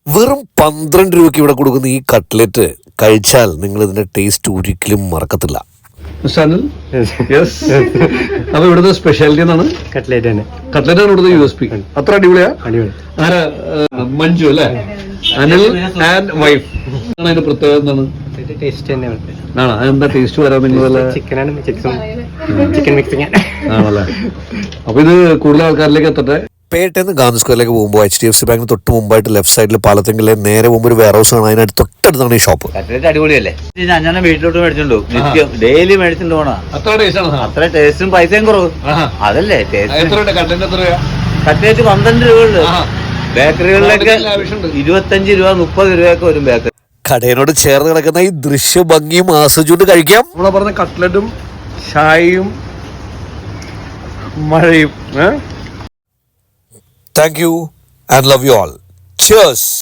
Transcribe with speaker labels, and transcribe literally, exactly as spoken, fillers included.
Speaker 1: വെറും പന്ത്രണ്ട് രൂപയ്ക്ക് ഇവിടെ കൊടുക്കുന്ന ഈ കട്ട്ലറ്റ് കഴിച്ചാൽ നിങ്ങൾ ഇതിന്റെ ടേസ്റ്റ് ഒരിക്കലും മറക്കത്തില്ല.
Speaker 2: അപ്പൊ ഇവിടുത്തെ സ്പെഷ്യാലിറ്റി എന്നാണ്
Speaker 3: കട്ട്ലേറ്റ് തന്നെ.
Speaker 2: കട്ട്ലറ്റ് ആണ് ഇവിടുത്തെ യു എസ് പി. അത്ര അടിപൊളിയാ. ആരാ? മഞ്ജു അല്ലേ? Anil and wife. അതിന്റെ പ്രത്യേകത എന്താണ്?
Speaker 3: ടേസ്റ്റ് തന്നെയാണ്.
Speaker 2: ആണോ? അതെന്താ ടേസ്റ്റ് വരാൻ നിങ്ങൾ?
Speaker 3: ചിക്കനാണ്, ചിക്കൻ മിക്സിംഗ്
Speaker 2: ആണല്ലേ? അപ്പൊ ഇത് കൂടുതൽ ആൾക്കാരിലേക്ക് എത്തട്ടെ.
Speaker 1: പേട്ടേന്ന് ഗാന്ധി സ്ക്വയറിലേക്ക് പോകുമ്പോൾ എച്ച് ഡി എഫ് സി ബാങ്കിന് തൊട്ട് മുമ്പായിട്ട് ലെഫ്റ്റ് സൈഡിൽ പാലത്തെങ്കിലെ നേരെ മുമ്പ് ഒരു വെയർ ഹൗസ് ആണ്. അതിനകത്ത് തൊട്ടടുത്താണ് ഈ ഷോപ്പ്.
Speaker 4: കട്ട്ലറ്റ് അടിപൊളിയല്ലേ? ഞാൻ വീട്ടിലോട്ട് മേടിച്ചോണ്ടു നിത്യം ഡെയിലി മേടിച്ചോണ്ട് പോണ.
Speaker 2: അത്ര ടേസ്റ്റ് ആണ്.
Speaker 4: അത്ര ടേസ്റ്റും പൈസയും കുറവ്. അതല്ലേ കട്ട്ലറ്റ് പന്ത്രണ്ട് രൂപ ഉള്ളു. ബേക്കറികളിലൊക്കെ ഇരുപത്തഞ്ച് രൂപ മുപ്പത് രൂപയൊക്കെ വരും ബേക്കറി.
Speaker 1: കടയിനോട് ചേർന്ന് കിടക്കുന്ന ഈ ദൃശ്യ ഭംഗിയും ആസ്വദിച്ചുകൊണ്ട് കഴിക്കാം.
Speaker 2: നമ്മളെ പറഞ്ഞ കട്ട്ലറ്റും ചായയും മഴയും.
Speaker 1: Thank you and love you all. Cheers.